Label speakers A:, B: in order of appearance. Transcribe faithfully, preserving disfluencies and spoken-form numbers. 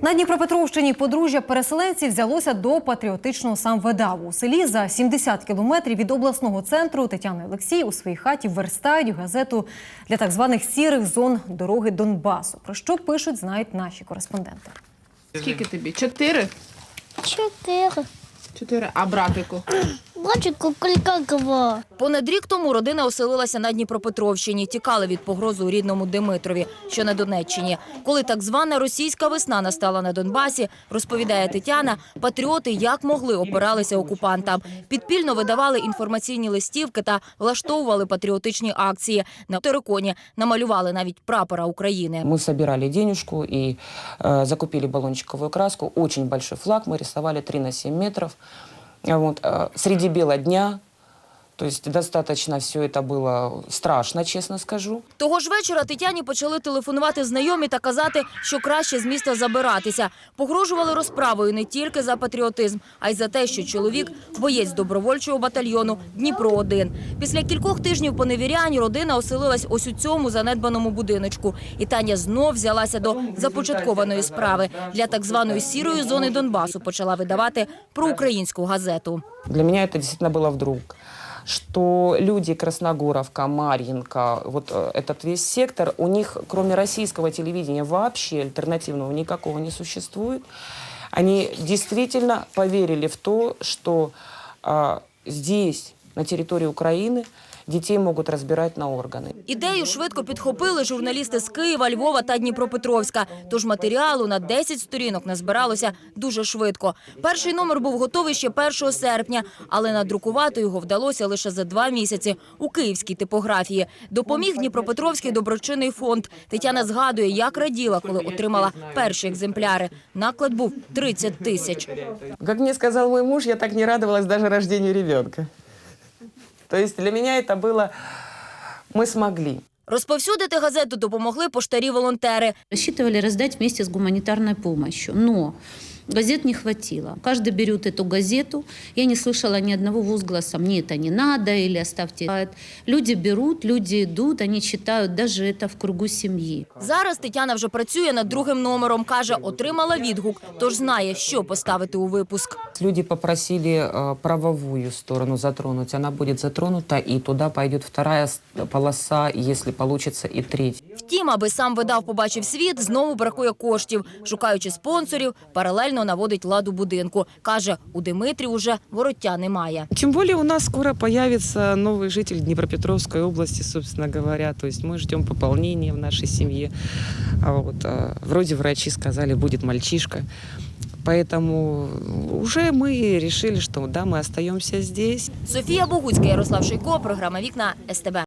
A: На Дніпропетровщині подружжя переселенців взялося до патріотичного самвидаву. У селі за сімдесят кілометрів від обласного центру Тетяна і Олексій у своїй хаті верстають газету для так званих сірих зон дороги Донбасу. Про що пишуть, знають наші кореспонденти.
B: Скільки тобі? Чотири?
C: Чотири.
B: Чотири. А братику?
C: Братику Калькакова.
D: Понад рік тому родина оселилася на Дніпропетровщині. Тікали від погрози у рідному Димитрові, що на Донеччині. Коли так звана російська весна настала на Донбасі, розповідає Тетяна, патріоти як могли опиралися окупантам. Підпільно видавали інформаційні листівки та влаштовували патріотичні акції. На териконі намалювали навіть прапора України.
E: Мы собирали денежку и э, закупили баллончиковую краску. Очень большой флаг мы рисовали три на семь метров. Вот, э, среди бела дня. То есть достаточно все это было страшно, честно скажу.
D: Того ж вечора Тетяні почали телефонувати знайомі та казати, що краще з міста забиратися. Погрожували розправою не тільки за патріотизм, а й за те, що чоловік – боєць добровольчого батальйону Дніпро один. Після кількох тижнів поневірянь родина оселилась ось у цьому занедбаному будиночку. І Таня знов взялася до започаткованої справи. Для так званої сірої зони Донбасу почала видавати проукраїнську газету.
E: Для меня это действительно было вдруг. Что люди Красногоровка, Марьинка, вот этот весь сектор, у них кроме российского телевидения вообще альтернативного никакого не существует. Они действительно поверили в то, что а, здесь, на территории Украины, дітей можуть розбирати на органи.
D: Ідею швидко підхопили журналісти з Києва, Львова та Дніпропетровська. Тож матеріалу на десять сторінок назбиралося дуже швидко. Перший номер був готовий ще першого серпня, але надрукувати його вдалося лише за два місяці у київській типографії. Допоміг Дніпропетровський доброчинний фонд. Тетяна згадує, як раділа, коли отримала перші екземпляри. Наклад був тридцять тисяч.
E: Як мені сказав мій муж, я так не радувалась навіть рождению ребенка. То есть для меня это было «мы смогли».
D: Розповсюдити газету допомогли поштарі-волонтери.
F: Рассчитывали раздать вместе с гуманитарной помощью, но газет не хватило. Каждый берет эту газету. Я не слышала ни одного возгласа «мне это не надо» или «оставьте». Люди берут, люди идут, они читают даже это в кругу семьи.
D: Зараз Тетяна вже працює над другим номером. Каже, отримала відгук, тож знає, що поставити у випуск.
E: Люди попросили э, правовую сторону затронуть. Она будет затронута, и туда пойдет вторая полоса, если получится, и третья.
D: Втім, аби сам видав побачив світ, знову бракує коштів. Шукаючи спонсорів, паралельно наводить лад у будинку. Каже, у Димитрі уже вороття немає.
G: Тем более у нас скоро появится новый житель Днепропетровской области, собственно говоря. То есть мы ждем пополнения в нашей семье. А вот, вроде врачи сказали, будет мальчишка. Поэтому уже мы решили, что да, мы остаемся здесь.
D: Софія Богуцька, Ярослав Шийко, програма «Вікна», ес те бе.